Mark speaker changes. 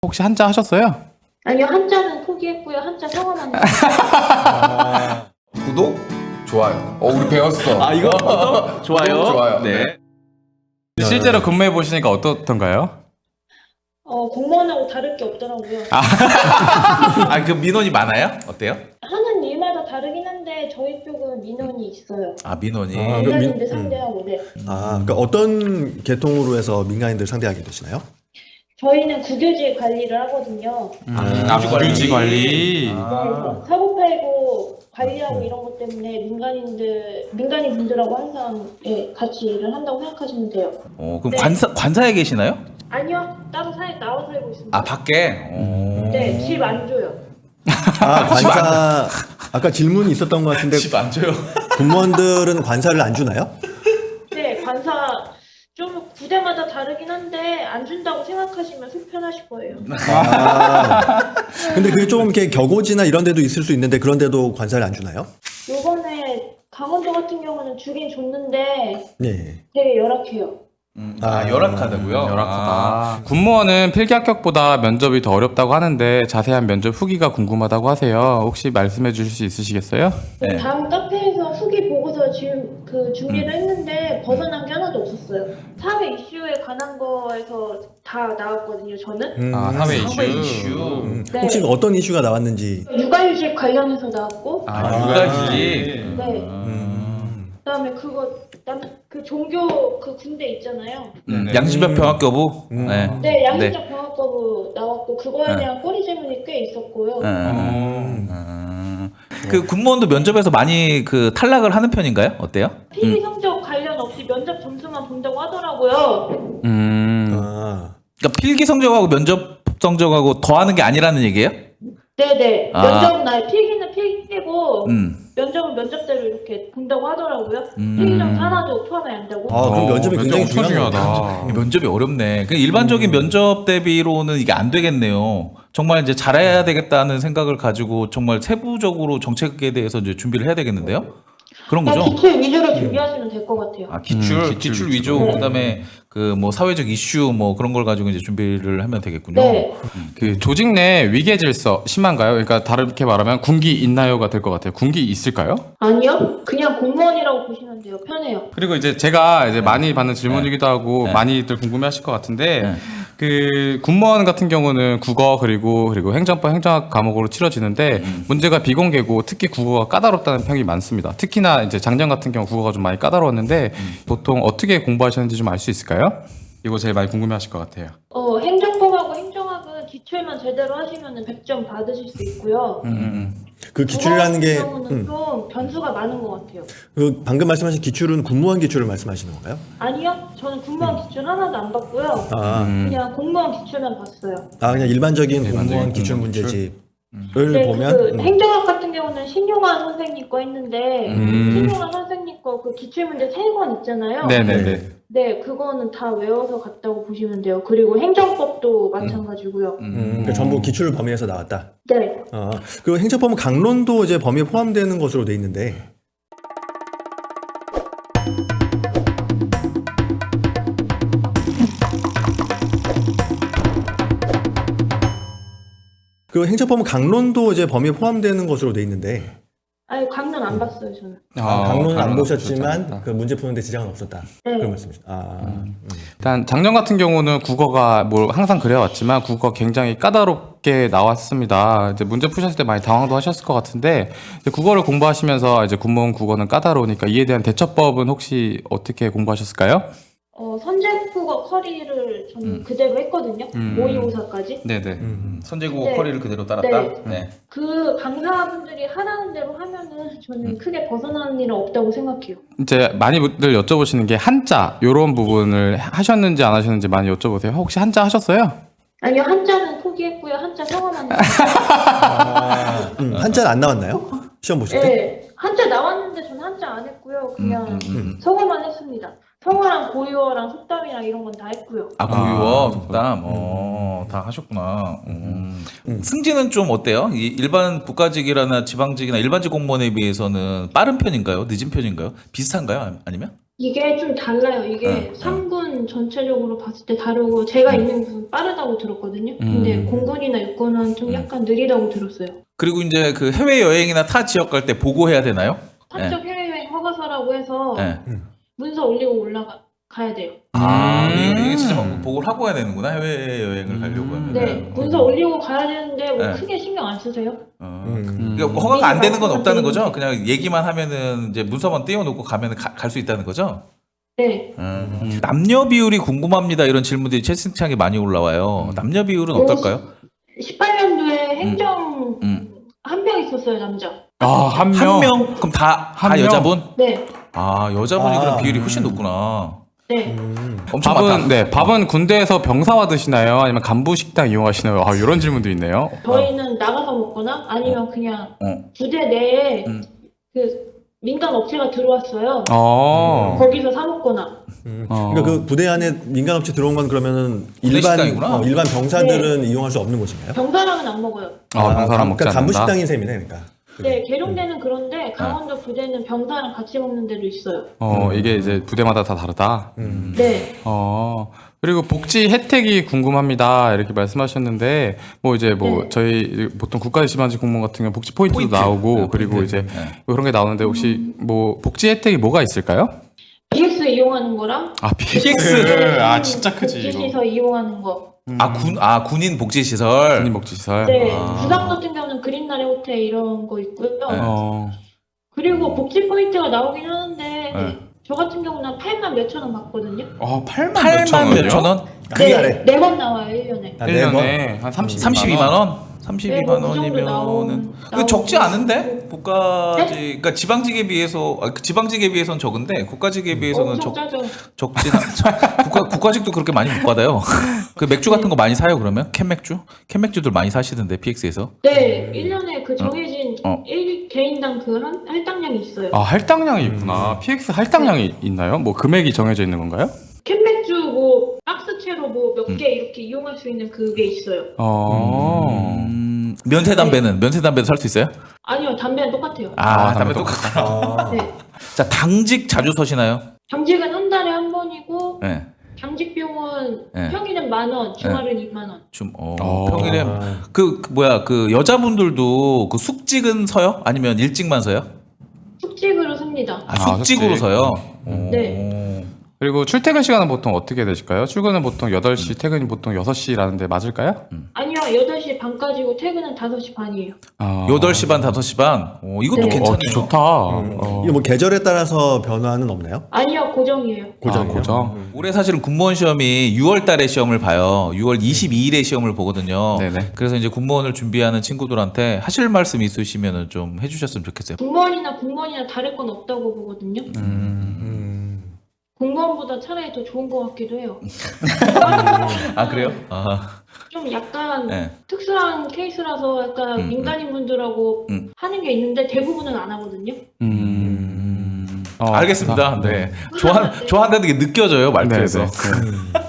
Speaker 1: 혹시 한자 하셨어요?
Speaker 2: 아니요, 한자는 포기했고요. 한자 성어만 했어요.
Speaker 3: 구독, 좋아요. 우리 배웠어.
Speaker 4: 아, 이거 좋아요.
Speaker 3: 좋아요.
Speaker 4: 네.
Speaker 1: 실제로 근무해 보시니까 어떻던가요?
Speaker 2: 공무원하고 다를 게 없더라고요.
Speaker 4: 그 민원이 많아요? 어때요?
Speaker 2: 하는 일마다 다르긴 한데 저희 쪽은 민원이 있어요.
Speaker 4: 아, 민원이.
Speaker 2: 민간인들 상대하고, 네.
Speaker 5: 그러니까 어떤 계통으로 해서 민간인들 상대하게 되시나요?
Speaker 2: 저희는 국유지 관리를 하거든요.
Speaker 1: 국유지 관리.
Speaker 2: 네, 사고 팔고 관리하고 이런 것 때문에 민간인 분들하고 항상 같이 일을 한다고 생각하시면 돼요.
Speaker 4: 그럼
Speaker 2: 네.
Speaker 4: 관사에 계시나요?
Speaker 2: 아니요, 따로 나와 살고 있습니다.
Speaker 4: 아, 밖에?
Speaker 2: 네, 집 안 줘요.
Speaker 5: 관사 아까 질문이 있었던 것 같은데
Speaker 4: 집 안 줘요.
Speaker 5: 공무원들은 관사를 안 주나요?
Speaker 2: 네, 관사 좀 부대마다 다르긴 한데 안 준다고 생각하시면 속편하실 거예요.
Speaker 5: 근데 그게 좀 이렇게 격오지나 이런 데도 있을 수 있는데 그런 데도 관사를 안 주나요?
Speaker 2: 요번에 강원도 같은 경우는 주긴 줬는데
Speaker 5: 네.
Speaker 2: 되게 열악해요.
Speaker 4: 열악하다고요?
Speaker 1: 열악하다. 군무원은 필기 합격보다 면접이 더 어렵다고 하는데 자세한 면접 후기가 궁금하다고 하세요. 혹시 말씀해 주실 수 있으시겠어요?
Speaker 4: 네.
Speaker 2: 다음 카페에서 후기 보고서 지금 준비를 했는데 벗어난 게 하나도 없었어요. 사회 이슈에 관한 거에서 다 나왔거든요, 저는.
Speaker 1: 사회
Speaker 4: 사회
Speaker 1: 이슈.
Speaker 4: 이슈.
Speaker 2: 네.
Speaker 5: 혹시 어떤 이슈가 나왔는지.
Speaker 2: 육아휴직 관련해서 나왔고,
Speaker 4: 육아휴직.
Speaker 2: 네. 그다음에 그 종교 그 군대 있잖아요.
Speaker 4: 양심적 병합교부. 네.
Speaker 2: 네, 양심적 병합 거부 나왔고 그거에 대한 꼬리 질문이 꽤 있었고요.
Speaker 4: 그 군무원도 면접에서 많이 그 탈락을 하는 편인가요? 어때요?
Speaker 2: 필기 성적 관련 없이 면접 점수만 본다고 하더라고요.
Speaker 4: 그러니까 필기 성적하고 면접 성적하고 더하는 게 아니라는 얘기예요?
Speaker 2: 네네. 면접은 필기는 필기고 면접은 면접대로 이렇게 본다고 하더라고요. 필기 점수 하나도 포함이 안 되고.
Speaker 5: 그럼 면접이 굉장히
Speaker 1: 엄청
Speaker 5: 중요한
Speaker 1: 중요하다.
Speaker 4: 면접이 어렵네. 그 일반적인 면접 대비로는 이게 안 되겠네요. 정말 이제 잘해야 되겠다는 생각을 가지고 정말 세부적으로 정책에 대해서 이제 준비를 해야 되겠는데요? 그런 거죠?
Speaker 2: 기출 위주로 준비하시면 될 것 같아요.
Speaker 4: 기출 위주, 그다음에 그 뭐 사회적 이슈 뭐 그런 걸 가지고 이제 준비를 하면 되겠군요.
Speaker 2: 네.
Speaker 1: 그 조직 내 위계 질서 심한가요? 그러니까 다르게 말하면 군기 있나요가 될 것 같아요. 군기 있을까요?
Speaker 2: 아니요. 그냥 공무원이라고 보시면 돼요. 편해요.
Speaker 1: 그리고 이제 제가 많이 받는 질문이기도 하고 많이들 궁금해하실 것 같은데 그 군무원 같은 경우는 국어 그리고 행정법 행정학 과목으로 치러지는데 문제가 비공개고 특히 국어가 까다롭다는 평이 많습니다. 특히나 이제 작년 같은 경우 국어가 좀 많이 까다로웠는데 보통 어떻게 공부하셨는지 좀 알 수 있을까요? 이거 제일 많이 궁금해하실 것 같아요.
Speaker 2: 행정법하고 행정학은 기출만 제대로 하시면 100점 받으실 수 있고요.
Speaker 5: 그 기출이라는 게
Speaker 2: 국어 같은 경우는 좀 변수가 많은 것 같아요.
Speaker 5: 그 방금 말씀하신 기출은 군무원 기출을 말씀하시는 건가요?
Speaker 2: 아니요, 저는 군무원 기출 하나도 안 봤고요. 그냥 공무원 기출만 봤어요.
Speaker 5: 그냥 일반적인 공무원 기출 문제집을
Speaker 2: 네,
Speaker 5: 보면
Speaker 2: 행정학 같은 경우는 신용환 선생님 거 했는데 신용환 선생님 거 그 기출 문제 3권 있잖아요.
Speaker 1: 네네네.
Speaker 2: 네, 그거는 다 외워서 갔다고 보시면 돼요. 그리고 행정법도 마찬가지고요.
Speaker 5: 그러니까 전부 기출 범위에서 나왔다.
Speaker 2: 네.
Speaker 5: 그리고 행정법은 강론도 이제 범위에 포함되는 것으로 돼 있는데 그 행정법은 강론도 이제 범위에 포함되는 것으로 돼 있는데
Speaker 2: 아니, 강론 안 봤어요, 저는.
Speaker 5: 강론은 안
Speaker 1: 보셨지
Speaker 5: 보셨지만
Speaker 1: 않았다.
Speaker 5: 그 문제 푸는데 지장은 없었다.
Speaker 2: 네.
Speaker 5: 그런 말씀이시죠.
Speaker 1: 일단 작년 같은 경우는 국어가 항상 그래왔지만 국어 굉장히 까다롭게 나왔습니다. 이제 문제 푸셨을 때 많이 당황도 하셨을 것 같은데 이제 국어를 공부하시면서 이제 군무원 국어는 까다로우니까 이에 대한 대처법은 혹시 어떻게 공부하셨을까요?
Speaker 2: 선제국어 커리를 저는 그대로 했거든요. 모의고사까지.
Speaker 1: 네네.
Speaker 4: 선제국어
Speaker 2: 네.
Speaker 4: 커리를 그대로 따랐다. 네.
Speaker 2: 그 강사분들이 하라는 대로 하면은 저는 크게 벗어나는 일은 없다고 생각해요.
Speaker 1: 이제 많이들 여쭤보시는 게 한자 이런 부분을 하셨는지 안 하셨는지 많이 여쭤보세요. 혹시 한자 하셨어요?
Speaker 2: 아니요, 한자는 포기했고요. 한자 성어만 했어요.
Speaker 5: 한자는 안 나왔나요? 시험 보실 때?
Speaker 2: 네, 한자 나왔는데 저는 한자 안 했고요. 그냥 성어만 했습니다. 성어랑 고유어랑 속담이랑 이런 건 다 했고요.
Speaker 4: 고유어, 속담, 다 하셨구나. 승진은 좀 어때요? 일반 국가직이나 지방직이나 일반직 공무원에 비해서는 빠른 편인가요? 늦은 편인가요? 비슷한가요? 아니면?
Speaker 2: 이게 좀 달라요. 이게 3군 전체적으로 봤을 때 다르고 제가 있는 곳은 빠르다고 들었거든요. 근데 공군이나 육군은 좀 약간 느리다고 들었어요.
Speaker 4: 그리고 이제 그 해외 여행이나 타 지역 갈 때 보고해야 되나요?
Speaker 2: 사적 해외여행 허가서라고 해서
Speaker 4: 네.
Speaker 2: 문서 올리고 가야 돼요.
Speaker 4: 이게 진짜 보고를 하고 가야 되는구나. 해외 여행을 가려고 하면.
Speaker 2: 네, 문서 올리고 가야 되는데 뭐
Speaker 4: 네.
Speaker 2: 크게 신경 안 쓰세요?
Speaker 4: 그러니까 허가가 안 되는 건 없다는 거죠? 그냥 얘기만 하면은 이제 문서만 띄워놓고 가면 갈 수 있다는 거죠?
Speaker 2: 네.
Speaker 4: 남녀 비율이 궁금합니다. 이런 질문들이 채팅창에 많이 올라와요. 남녀 비율은 어떨까요?
Speaker 2: 18년도에 행정 한 명 있었어요, 남자.
Speaker 1: 한
Speaker 4: 한
Speaker 1: 명.
Speaker 4: 명? 그럼 다
Speaker 1: 한 명?
Speaker 4: 여자분?
Speaker 2: 네.
Speaker 4: 여자분이 그럼 비율이 훨씬 높구나.
Speaker 2: 네.
Speaker 4: 엄청 많다.
Speaker 1: 밥은 군대에서 병사와 드시나요? 아니면 간부 식당 이용하시나요? 이런 질문도 있네요.
Speaker 2: 저희는 나가서 먹거나 아니면 그냥 부대 내에 그 민간 업체가 들어왔어요. 거기서 사 먹거나.
Speaker 5: 그러니까 그 부대 안에 민간업체 들어온 건 그러면은
Speaker 4: 식당이구나.
Speaker 5: 일반 병사들은 이용할 수 없는 곳인가요?
Speaker 2: 병사랑은 안 먹어요.
Speaker 1: 병사랑 먹지
Speaker 5: 그러니까
Speaker 1: 않는다.
Speaker 5: 간부 식당인 셈이네, 그러니까.
Speaker 2: 네, 계룡대는 그런데 강원도 부대는 병사랑 같이 먹는 데도 있어요.
Speaker 1: 이게 이제 부대마다 다 다르다.
Speaker 2: 네.
Speaker 1: 그리고 복지 혜택이 궁금합니다. 이렇게 말씀하셨는데, 뭐 이제 뭐
Speaker 2: 네.
Speaker 1: 저희 보통 국가지방직 공무원 같은 경우 복지 포인트도 나오고,
Speaker 4: 네,
Speaker 1: 그리고
Speaker 4: 포인트.
Speaker 1: 이제 뭐 그런 게 나오는데 혹시 뭐 복지 혜택이 뭐가 있을까요?
Speaker 2: BX 이용하는 거랑
Speaker 1: PX. 진짜 크지 이거.
Speaker 2: 복지시설 이용하는 거.
Speaker 4: 군인 복지 시설.
Speaker 1: 군인 복지 시설.
Speaker 2: 네. 부산 같은 경우는 그린나래 호텔 이런 거 있고요. 그리고 복지 포인트가 나오긴 하는데 저 같은 경우는 8만 몇천 원 받거든요.
Speaker 4: 8만 몇천 원?
Speaker 5: 크게 하래.
Speaker 2: 네 번 나와요, 1년에.
Speaker 1: 1년에 한 32만
Speaker 4: 32만
Speaker 1: 원.
Speaker 4: 원? 32만
Speaker 2: 네, 뭐 그 정도
Speaker 4: 원이면은 그
Speaker 2: 나오고
Speaker 4: 적지 않은데? 국가직
Speaker 2: 네?
Speaker 4: 그러니까 지방직에 비해서 지방직에 비해서는 적은데 국가직에 비해서는
Speaker 2: 엄청 짜죠.
Speaker 4: 적진 국가직도 그렇게 많이 못 받아요. 그 맥주 같은 거 많이 사요 그러면? 캔 맥주들 많이 사시던데 PX에서.
Speaker 2: 네, 1년에 그 정해진
Speaker 4: 어.
Speaker 2: 1개인당 그 할당량이 있어요.
Speaker 1: 할당량이 있구나. PX 할당량이 있나요? 뭐 금액이 정해져 있는 건가요?
Speaker 2: 캔맥주 뭐 박스채로 뭐 몇 개 이렇게 이용할 수 있는 그게 있어요.
Speaker 4: 면세 담배도 살 수 있어요?
Speaker 2: 아니요, 담배는 똑같아요.
Speaker 4: 담배 똑같아.
Speaker 2: 네.
Speaker 4: 자 당직 자주 서시나요?
Speaker 2: 당직은 한 달에 한 번이고
Speaker 4: 네.
Speaker 2: 당직 비용은
Speaker 4: 네.
Speaker 2: 평일은 10,000원, 주말은 20,000원.
Speaker 4: 평일에 그 여자분들도 그 숙직은 서요? 아니면 일찍만 서요?
Speaker 2: 숙직으로 씁니다.
Speaker 4: 숙직으로
Speaker 1: 숙직.
Speaker 4: 서요?
Speaker 2: 네.
Speaker 1: 그리고 출퇴근 시간은 보통 어떻게 되실까요? 출근은 보통 8시, 퇴근이 보통 6시라는데 맞을까요?
Speaker 2: 아니요, 8시 반까지고 퇴근은 5시 반이에요.
Speaker 4: 8시 반, 5시 반? 이것도
Speaker 2: 네.
Speaker 4: 괜찮네요.
Speaker 1: 좋다.
Speaker 5: 이게 뭐 계절에 따라서 변화는 없나요?
Speaker 2: 아니요, 고정이에요.
Speaker 5: 고정이요?
Speaker 1: 고정.
Speaker 4: 올해 사실은 군무원 시험이 6월 달에 시험을 봐요. 6월 22일에 시험을 보거든요.
Speaker 1: 네네.
Speaker 4: 그래서 이제 군무원을 준비하는 친구들한테 하실 말씀 있으시면 좀 해주셨으면 좋겠어요.
Speaker 2: 공무원이나 다를 건 없다고 보거든요. 공무원보다 차라리 더 좋은 것 같기도 해요.
Speaker 4: 그래요?
Speaker 2: 좀 약간
Speaker 4: 네.
Speaker 2: 특수한 케이스라서 약간 민간인분들하고 하는 게 있는데 대부분은 안 하거든요.
Speaker 4: 알겠습니다. 네. 좋아한다는 게 느껴져요, 말투에서.
Speaker 1: 네.